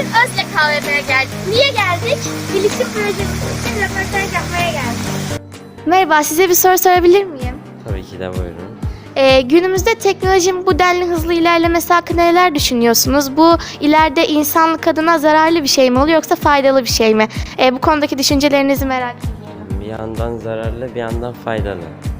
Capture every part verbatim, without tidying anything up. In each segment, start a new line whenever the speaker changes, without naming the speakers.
Bugün Özlek A V M'ye geldik. Niye geldik? Bilişim projesi için röportaj yapmaya geldik. Merhaba, size bir soru sorabilir miyim?
Tabii ki de buyurun.
Ee, günümüzde teknolojinin bu denli hızlı ilerlemesi hakkında neler düşünüyorsunuz? Bu ileride insanlık adına zararlı bir şey mi oluyor yoksa faydalı bir şey mi? Ee, bu konudaki düşüncelerinizi merak ediyorum.
Bir yandan zararlı, bir yandan faydalı.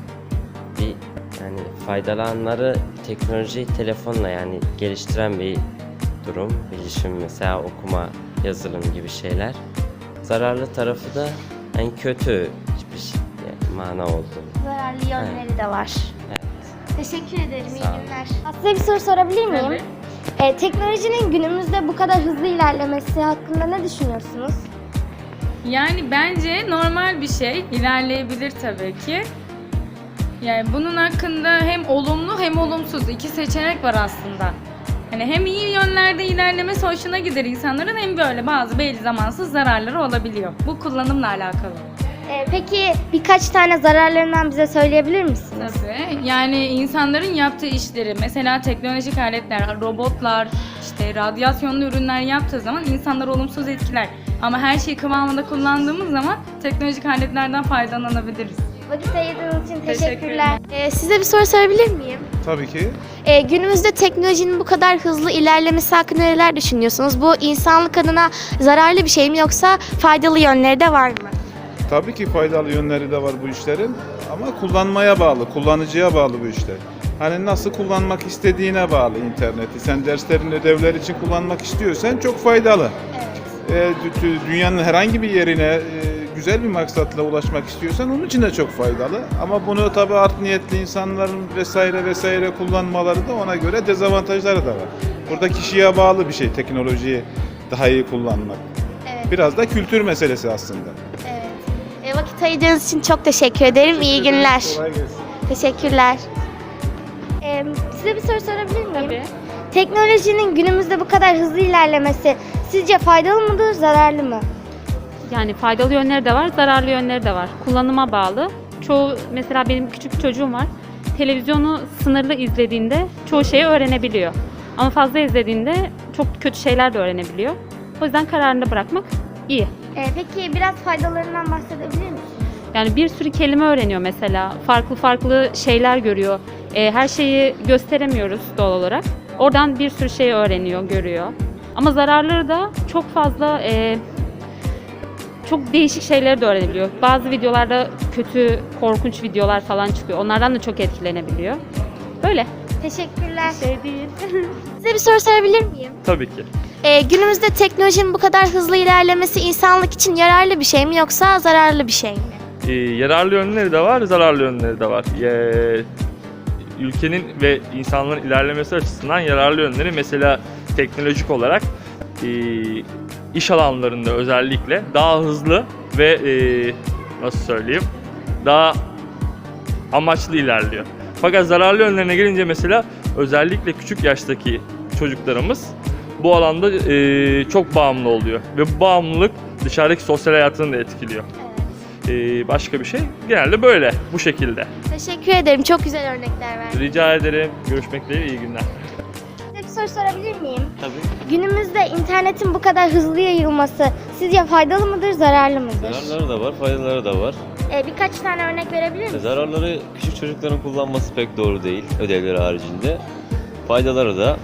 Bir yani faydalı anları teknoloji telefonla yani geliştiren bir durum. Bilişim mesela okuma, yazılım gibi şeyler. Zararlı tarafı da yani kötü hiçbir şey yani mana oldu.
Zararlı yönleri
Evet.
de var.
Evet.
Teşekkür ederim, iyi
Sağ olun.
günler. Size bir soru sorabilir miyim?
Tabii.
Ee, teknolojinin günümüzde bu kadar hızlı ilerlemesi hakkında ne düşünüyorsunuz?
Yani bence normal bir şey, ilerleyebilir tabii ki. Yani bunun hakkında hem olumlu hem olumsuz iki seçenek var aslında. Hani hem iyi yönlerde ilerlemesi hoşuna gider insanların hem böyle bazı belli zamansız zararları olabiliyor. Bu kullanımla alakalı.
Ee, peki birkaç tane zararlarından bize söyleyebilir misiniz?
Tabii. Yani insanların yaptığı işleri, mesela teknolojik aletler, robotlar, işte radyasyonlu ürünler yaptığı zaman insanlar olumsuz etkiler. Ama her şeyi kıvamında kullandığımız zaman teknolojik aletlerden faydalanabiliriz.
Vakit ayırdığınız için
Teşekkürler.
teşekkürler. Ee, size bir soru sorabilir miyim?
Tabii ki.
Ee, günümüzde teknolojinin bu kadar hızlı ilerlemesi hakkında neler düşünüyorsunuz? Bu insanlık adına zararlı bir şey mi yoksa faydalı yönleri de var mı?
Tabii ki faydalı yönleri de var bu işlerin ama kullanmaya bağlı, kullanıcıya bağlı bu işler. Hani nasıl kullanmak istediğine bağlı interneti. Sen derslerin ödevler için kullanmak istiyorsan çok faydalı.
Evet.
Ee, dü- dünyanın herhangi bir yerine e, güzel bir maksatla ulaşmak istiyorsan onun için de çok faydalı. Ama bunu tabii art niyetli insanların vesaire vesaire kullanmaları da ona göre dezavantajları da var. Burada kişiye bağlı bir şey teknolojiyi daha iyi kullanmak.
Evet.
Biraz da kültür meselesi aslında.
Evet. Ee, vakit ayırdığınız için çok teşekkür ederim. İyi günler.
Kolay gelsin.
Teşekkürler. Ee, size bir soru sorabilir miyim?
Tabii.
Teknolojinin günümüzde bu kadar hızlı ilerlemesi sizce faydalı mıdır, zararlı mı?
Yani faydalı yönleri de var, zararlı yönleri de var. Kullanıma bağlı. Çoğu, mesela benim küçük bir çocuğum var. Televizyonu sınırlı izlediğinde çoğu şeyi öğrenebiliyor. Ama fazla izlediğinde çok kötü şeyler de öğrenebiliyor. O yüzden kararını bırakmak iyi.
Ee, peki biraz faydalarından bahsedebilir misiniz?
Yani bir sürü kelime öğreniyor mesela. Farklı farklı şeyler görüyor. Ee, her şeyi gösteremiyoruz doğal olarak. Oradan bir sürü şey öğreniyor, görüyor. Ama zararları da çok fazla, e, çok değişik şeyleri de öğrenebiliyor. Bazı videolarda kötü, korkunç videolar falan çıkıyor. Onlardan da çok etkilenebiliyor. Böyle.
Teşekkürler.
Şey değil.
Size bir soru sorabilir miyim?
Tabii ki.
Ee, günümüzde teknolojinin bu kadar hızlı ilerlemesi insanlık için yararlı bir şey mi yoksa zararlı bir şey mi?
Ee, yararlı yönleri de var, zararlı yönleri de var. Ee, ülkenin ve insanların ilerlemesi açısından yararlı yönleri mesela teknolojik olarak e, iş alanlarında özellikle daha hızlı ve e, nasıl söyleyeyim daha amaçlı ilerliyor. Fakat zararlı yönlerine gelince mesela özellikle küçük yaştaki çocuklarımız bu alanda e, çok bağımlı oluyor ve bu bağımlılık dışarıdaki sosyal hayatını da etkiliyor. Ee, başka bir şey genelde böyle, bu şekilde.
Teşekkür ederim. Çok güzel örnekler verdiniz.
Rica ederim. Görüşmek dileğiyle, iyi günler.
Size bir soru sorabilir miyim?
Tabii.
Günümüzde internetin bu kadar hızlı yayılması sizce faydalı mıdır, zararlı mıdır?
Zararları da var, faydaları da var.
Ee, birkaç tane örnek verebilir misiniz?
Zararları küçük çocukların kullanması pek doğru değil, ödevleri haricinde. Faydaları da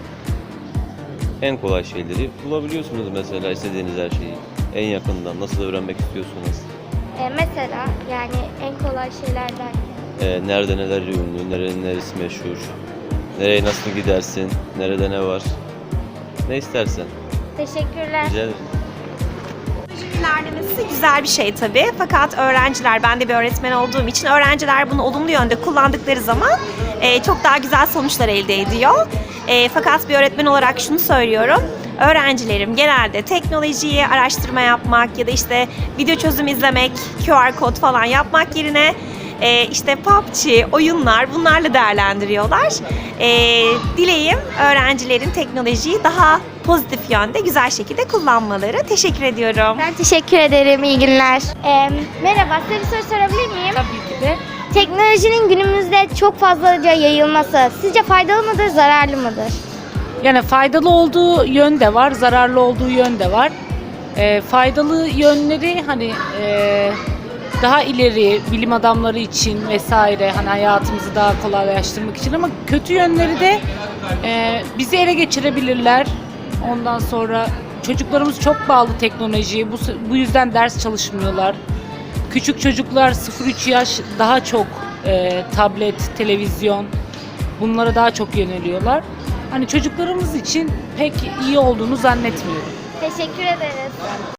en kolay şeyleri bulabiliyorsunuz mesela istediğiniz her şeyi. En yakından nasıl öğrenmek istiyorsunuz?
Ee, mesela yani en kolay şeylerden.
Ee, nerede neler ünlü, nerenin neresi meşhur, nereye nasıl gidersin, nerede ne var, ne istersen.
Teşekkürler.
Rica ederim.
Teknolojinin ilerlemesi güzel bir şey tabii. Fakat öğrenciler, ben de bir öğretmen olduğum için öğrenciler bunu olumlu yönde kullandıkları zaman e, çok daha güzel sonuçlar elde ediyor. E, fakat bir öğretmen olarak şunu söylüyorum. Öğrencilerim genelde teknolojiyi araştırma yapmak ya da işte video çözüm izlemek, Q R kod falan yapmak yerine e, işte P U B G, oyunlar bunlarla değerlendiriyorlar. E, dileğim öğrencilerin teknolojiyi daha pozitif yönde, güzel şekilde kullanmaları. Teşekkür ediyorum.
Ben teşekkür ederim. İyi günler. Ee, merhaba. Size bir soru sorabilir miyim?
Tabii ki de.
Teknolojinin günümüzde çok fazlaca yayılması sizce faydalı mıdır, zararlı mıdır?
Yani faydalı olduğu yön de var, zararlı olduğu yön de var. E, faydalı yönleri hani e, daha ileri bilim adamları için vesaire hani hayatımızı daha kolaylaştırmak için, ama kötü yönleri de e, bizi ele geçirebilirler. Ondan sonra çocuklarımız çok bağlı teknolojiye, bu, bu yüzden ders çalışmıyorlar. Küçük çocuklar sıfır üç yaş daha çok e, tablet, televizyon bunlara daha çok yöneliyorlar. Hani çocuklarımız için pek iyi olduğunu zannetmiyorum.
Teşekkür ederiz.